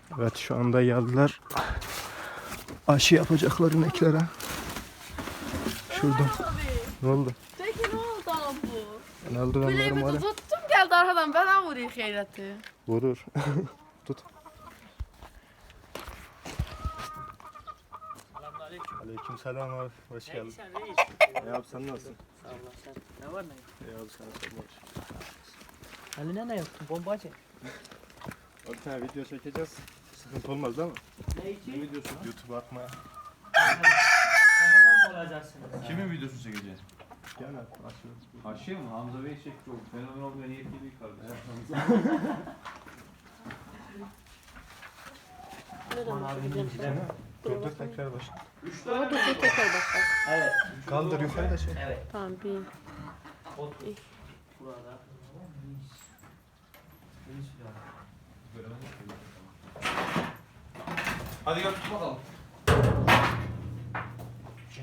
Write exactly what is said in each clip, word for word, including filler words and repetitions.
Evet, şu anda geldiler. Aşı yapacaklar ineklere. Şurada. Ne oldu? Peki ne oldu abi bu? Ne oldu, ben Bileğimi var de ya. tuttum geldi arkadan bana vuruyor Hayret'i. Vurur. Tut. Selamünaleyküm. Aleykümselam abi. Hoş geldin. Sen reis. Ne abi, sen nasılsın? Sağ ol sen. Ne var ne yok? İyi abi, sana sorma. Haline ne yaptın? Bombacı. Bir tane video çekeceğiz. Sıkıntı olmaz değil mi? Ne için? videosu? YouTube'a atmaya. Fenomen mi olacaksınız? Kimin videosunu çekeceğiz? Gel abi. Açıyoruz. Haşiye mi? Hamza Bey çekti o. Fenomen olmaya niyetli bir kardeş. Aman abinin bize mi? Dur dur, tekrar başla. Üç Ama tane dur dur tekrar başla. Evet. Kaldır yukarı da şey. Evet. Tamam bir. Otur. Burada. Reis ya. Hadi gel tut bakalım. Çek.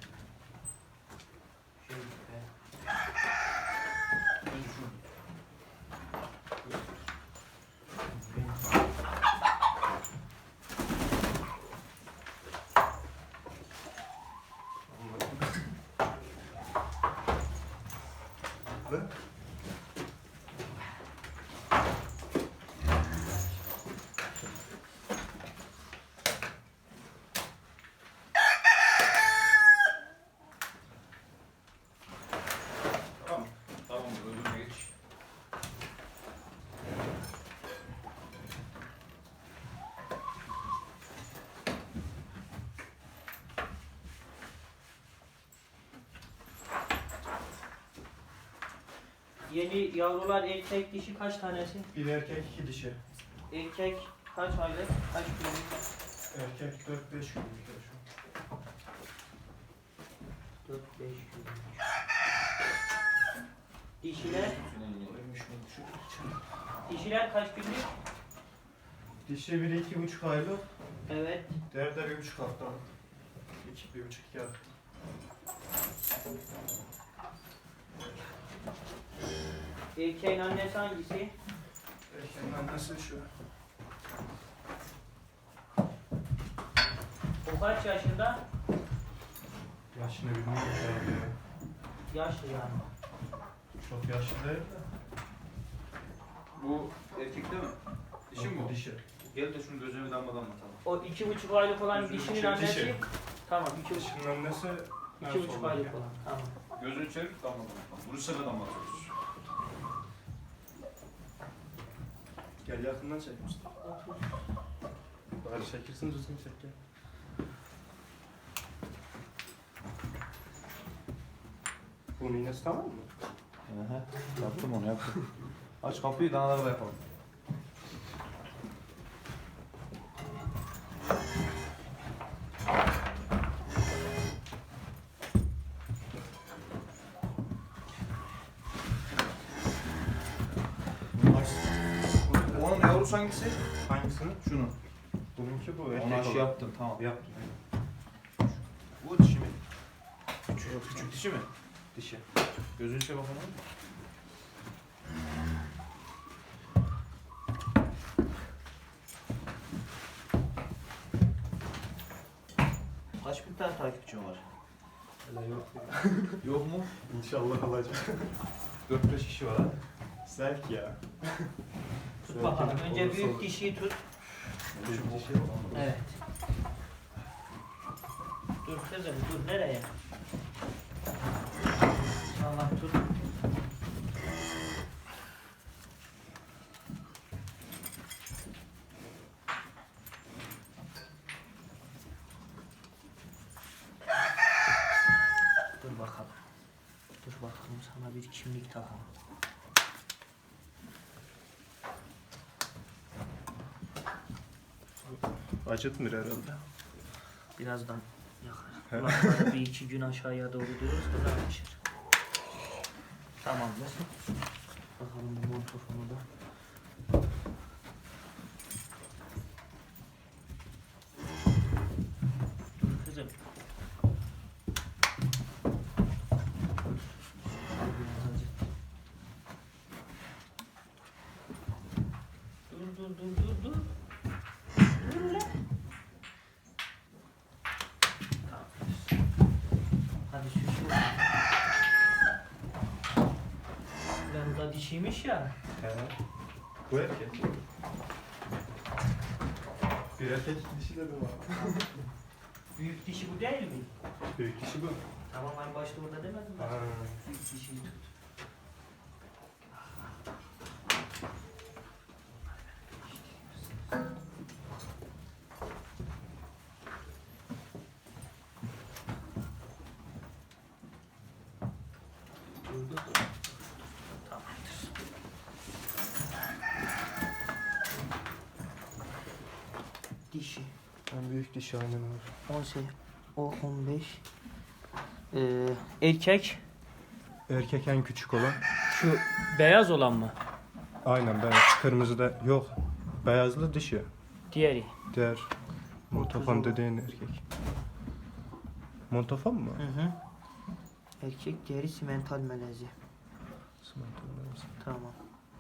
Çek be. Önce şunu. Tamam. Tamam, öbürüne geç. Yeni yavrular erkek dişi kaç tanesi? Bir erkek, iki dişi. Erkek kaç aylık? Kaç günlük? Erkek dört beş günlük şu. dört beş günlük. Dişiler? Dişiler kaç günlük? Dişi biri iki buçuk aylık. Evet. Diğeri de bir buçuk hafta. İki, bir buçuk, iki hafta. Erkeğin annesi hangisi? Erkeğin annesi şu. O kaç yaşında? Yaşını bilmiyorum herhalde. Yaşlı yani. Çok yaşlı değil de. Bu erkek değil mi? Dişi mi bu? Dişi. Gel de şunu gözüne bir damla damlatalım. O iki buçuk aylık olan Gözünün dişinin içi- annesi. dişi. Tamam iki buçuk. Dişinin annesi en İki buçuk solda. aylık olan. Tamam. Gözünü çevir damla damlatalım. Bunu sıra damlatıyoruz. Gel yakından çek Mustafa. Bari çekilsin, düzgün çek gel. Bunun iğnesi tamam mı? Hı yaptım onu yaptım. Aç kapıyı, danaları da yapalım. Onun yavrusu hangisi? Hangisini? Şunu. Bununki bu. Onu Erkek aşı olan. yaptım, tamam. Yaptım. Bu dişi mi? Küçük, küçük dişi mi? Dişi. Gözünü çevir bakalım. Kaç bin tane takipçim var? Öyle yok ya. Yok mu? İnşallah alacak. dört beş kişi var ha. Zevk ya. Tut bakalım. Önce büyük dişiyi tut. Büyük dişi. Evet. Dur kızım dur nereye? Allah tut. Dur bakalım. Dur bakalım sana bir kimlik takalım. Acıtmır herhalde. Birazdan yakar. Kulakları bir iki gün aşağıya doğru diyoruz kızarmışır. Tamamdır. Bakalım bu montofonu da. Dur kızım. Dur dur dur dur dur. Yani bu da dişiymiş ya. He. Bu erkek. Bir erkek dişi de mi var? Büyük dişi bu değil mi? Büyük dişi bu. Tamam en başta orada demedim mi? Ha. Büyük dişiyi tut. Tamamdır. Dişi. En büyük dişi aynen abi. on sekiz, o on beş. Ee, erkek Erkek en küçük olan. şu beyaz olan mı? Aynen beyaz. Kırmızı da yok. Beyazlı dişi. Diğeri. Diğer montafon dediğin erkek. Montafon mu? Hı hı. Erkek diğeri simental melezi. Tamam.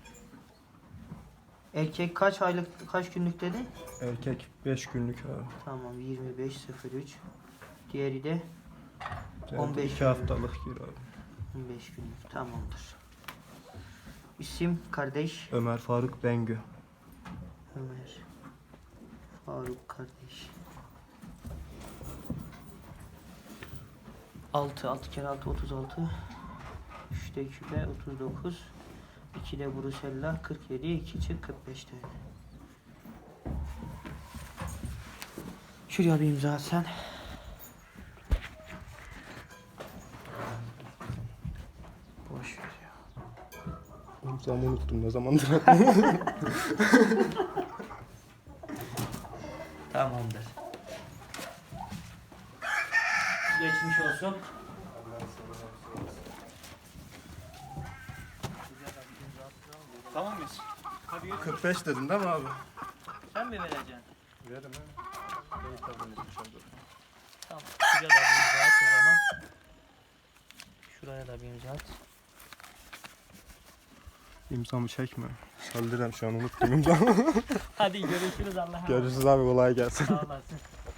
Erkek kaç aylık kaç günlük dedi? Erkek beş günlük abi. Tamam yirmi beş sıfır üç. Diğeri de Diğer on beş iki haftalık gir abi. on beş günlük. Tamamdır. İsim kardeş Ömer Faruk Bengü. Ömer Faruk kardeş. altı altı kere altı otuz altı. üçte küpe otuz dokuz. ikide Brusella kırk yedi. iki çık kırk beş tane. Şuraya bir imza at sen. Boş ver ya. İmzamı unuttum ne zamandır. Tamamdır. Geçmiş olsun. Tamam mıyız? kırk beş dedin değil mi abi? Sen mi vereceksin? Verim ha. Tamam. Şuraya da bir imza at o zaman. Şuraya da bir imza at. İmzamı çekme. Saldırırım şu an unuttum imzamı. Hadi görüşürüz Allah'a emanet. Görüşürüz abi kolay gelsin. Sağ olasın.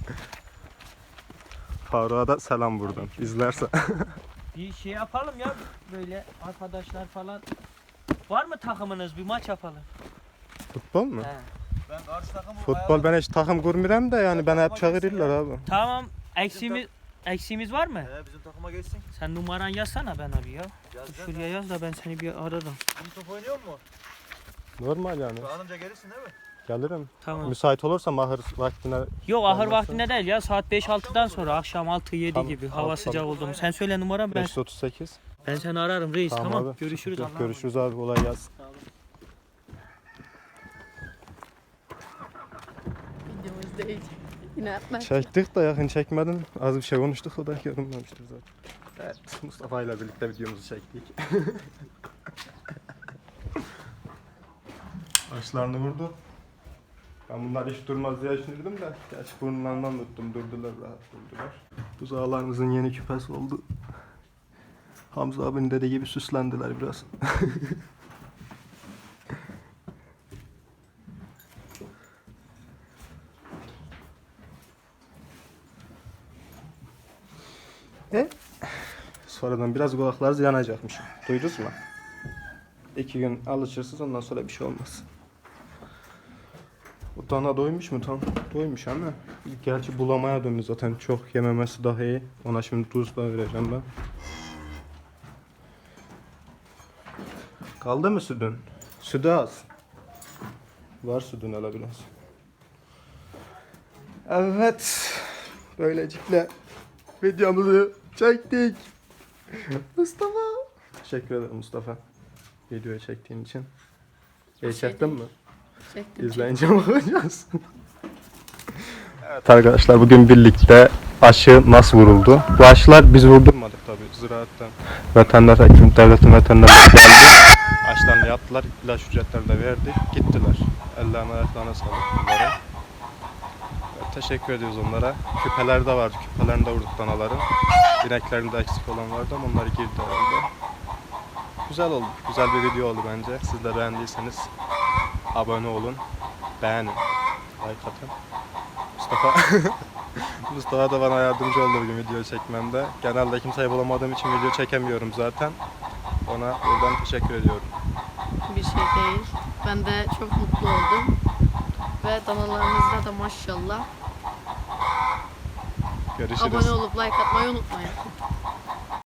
Faruk'a da selam buradan. İzlerse. Bir şey yapalım ya böyle arkadaşlar falan. Var mı takımınız? Bir maç yapalım. Futbol mu? He. Ben karşı takımı Futbol ben hiç takım kurmuyorum da yani bana hep çağırırlar abi. Tamam. Eksiğimiz eksiğimiz var mı? He, bizim takıma geçsin. Sen numaran yazsana ben abi ya. Yazacağım. Şuraya yaz da ben seni bir ararım. Bizim top oynuyor mu? Normal yani. Anımca gelirsin değil mi? Gelirim. Tamam. Müsait olursa mahır vaktine. Yok ahır Olmazsa- vaktinde değil ya saat beş altıdan sonra akşam altı yedi Tamam, gibi tamam, hava sıcak tamam. oldu mu? Sen söyle numaramı ben beş otuz sekiz. ben seni ararım reis tamam. abi. Görüşürüz Yok, Allah'a görüşürüz abi kolay gelsin. Videomuz değil. Yine yapma. Çektik de yakın çekmedin. Az bir şey konuştuk o da görünmemiştir zaten. Evet Mustafa ile birlikte videomuzu çektik. Başlarını vurdu. Ben bunlar hiç durmaz diye düşünürdüm de. Gerçi burnlarından tuttum durdular rahat durdular. Buzağlarımızın yeni küpesi oldu. Hamza abinin dediği gibi süslendiler biraz. E? Sonradan biraz kulaklarınız yanacakmış. Duydunuz mu? İki gün alışırsınız ondan sonra bir şey olmaz. Bu dana doymuş mu tam? Doymuş ama. Gerçi bulamaya döndü zaten. Çok yememesi daha iyi. Ona şimdi tuz da vereceğim ben. Kaldı mı sütün? Sütü az. Var sütün hele biraz. Evet. Böylelikle videomuzu çektik. Mustafa. Teşekkür ederim Mustafa. Videoyu çektiğin için. İyi çektin mi? Çektim. İzleyince bakacağız. Evet arkadaşlar bugün birlikte aşı nasıl vuruldu? Bu aşılar biz vurdurmadık tabi. Ziraatten veteriner hekim, devletin veterinerleri geldi. Aşılarını yaptılar, ilaç ücretlerini de verdik. Gittiler. Ellerine ayaklarına sağlık bunlara. Evet, teşekkür ediyoruz onlara. Küpeler de vardı. Küpelerini de vurduk danaların. İneklerinde eksik olan vardı ama onları girdi herhalde. Güzel oldu. Güzel bir video oldu bence. Siz de beğendiyseniz abone olun. Beğenin. Like atın. Mustafa Mustafa da bana yardımcı oldu bugün video çekmemde. Genelde kimseyi bulamadığım için video çekemiyorum zaten. Ona buradan teşekkür ediyorum. Bir şey değil. Ben de çok mutlu oldum. Ve danalarınızda da maşallah. Görüşürüz. Abone olup like atmayı unutmayın.